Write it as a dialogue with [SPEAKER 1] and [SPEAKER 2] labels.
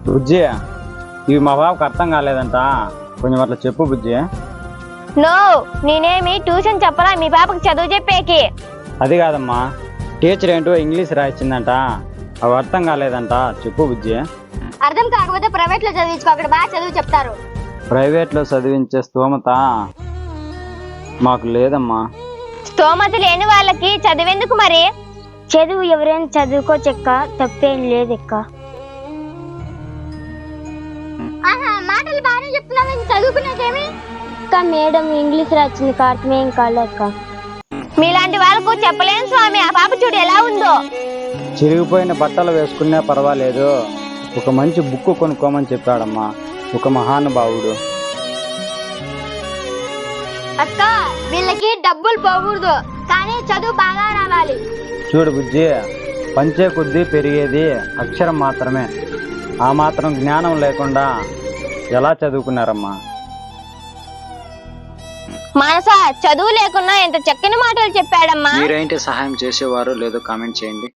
[SPEAKER 1] బుజ్జి, ఇవి మా బాబుకి అర్థం కాలేదంట, కొంచెం అట్లా చెప్పు బుజ్జి.
[SPEAKER 2] నో, నేనేమి ట్యూషన్ చెప్పరా మీ పాపకి చదువు చెప్పేకి.
[SPEAKER 1] అది కాదమ్మా, టీచర్ ఏంటో ఇంగ్లీష్ రాయించిందంట, అవి అర్థం కాలేదంట, చెప్పు బుజ్జి.
[SPEAKER 2] అర్థం కాకపోతే ప్రైవేట్ లో చదివించుకో, అక్కడ బాగా చదువు చెప్తారు.
[SPEAKER 1] ప్రైవేట్లో చదివించే స్తోమత మాకు లేదమ్మా.
[SPEAKER 2] స్తోమత లేని వాళ్ళకి చదివేందుకు మరి? చదువు ఎవరైనా చదువుకోచెక్క, తప్పేం లేదెక్క. మాటలు బాగానే చెప్తున్నావు, చదువుకునేదేమి? అక్క మేడం ఇంగ్లీష్ రాసింది, అర్థమేం కాలేక. మీలాంటి వాళ్ళకు చెప్పలేను స్వామి. ఆ పాప చూడు ఎలా ఉందో.
[SPEAKER 1] చిరిగిపోయిన బట్టలు వేసుకున్నా పర్వాలేదు, ఒక మంచి బుక్ కొనుక్కోమని చెప్పాడమ్మా ఒక మహానుభావుడు.
[SPEAKER 2] అక్క వీళ్ళకి డబ్బులు పోకూడదు, కానీ చదువు బాగా రావాలి.
[SPEAKER 1] చూడు బుజ్జి, పంచే కొద్దీ పెరిగేది అక్షరం మాత్రమే. ఆ మాత్రం జ్ఞానం లేకుండా ఎలా చదువుకున్నారమ్మా?
[SPEAKER 2] మనస చదువు లేకున్నా ఎంత చక్కని మాటలు చెప్పాడమ్మా.
[SPEAKER 1] మీరేంటి సహాయం చేసేవారు లేదో కామెంట్ చేయండి.